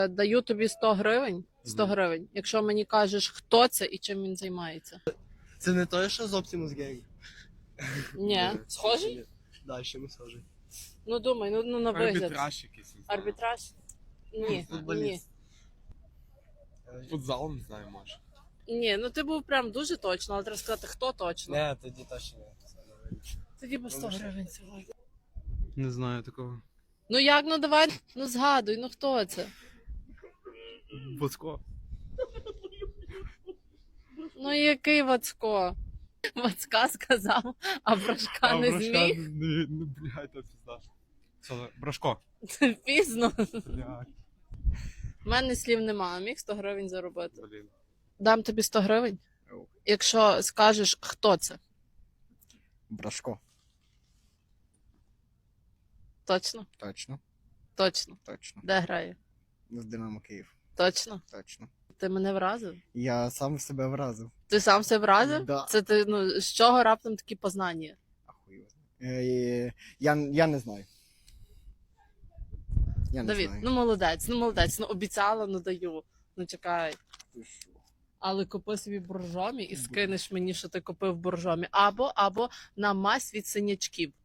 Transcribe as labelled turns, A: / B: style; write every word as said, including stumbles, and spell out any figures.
A: Даю тобі сто гривень, сто гривень, якщо мені кажеш, хто це і чим він займається.
B: Це не той, що з Optimus Gang?
A: Ні, схожий?
B: Да, ще не схожий.
A: Ну думай, ну, ну на вигляд.
C: Арбітраж якийсь. не знаю.
A: Арбітраж? Ні, ні.
B: Футболіст.
C: Футзал, не знаю, може.
A: Ні, ну ти був прям дуже точно, але треба сказати, хто точно.
B: Не, тоді точно не.
A: Тоді по сто гривень сьогодні.
C: Не знаю такого.
A: Ну як, ну давай, ну згадуй, ну хто це?
C: Боцко.
A: Ну який Вацко? Вацка сказав, а Брашка не зміг.
C: Не, ну, блядь, та пізда. Що, Брашко.
A: Пізно.
C: Блядь,
A: У мене слів нема, міг сто гривень заробити.
C: блін.
A: Дам тобі сто гривень,
C: Ау.
A: якщо скажеш, хто це.
D: Брашко.
A: Точно?
D: Точно,
A: Точно.
D: точно.
A: Де грає?
D: В Динамо Київ.
A: Точно.
D: Точно.
A: Ти мене вразив?
D: Я сам себе вразив.
A: Ти сам себе вразив?
D: Да.
A: Це ти, ну, з чого раптом такі познання?
D: Ахуй його знає. Е, Я, я не знаю. Я не
A: Давід,
D: знаю.
A: ну молодець, ну молодець, ну обіцяла, ну даю. Ну чекай.
D: Ти що?
A: Але купи собі боржомі і скинеш мені, що ти купив боржомі. Або, або на мазь від синячків.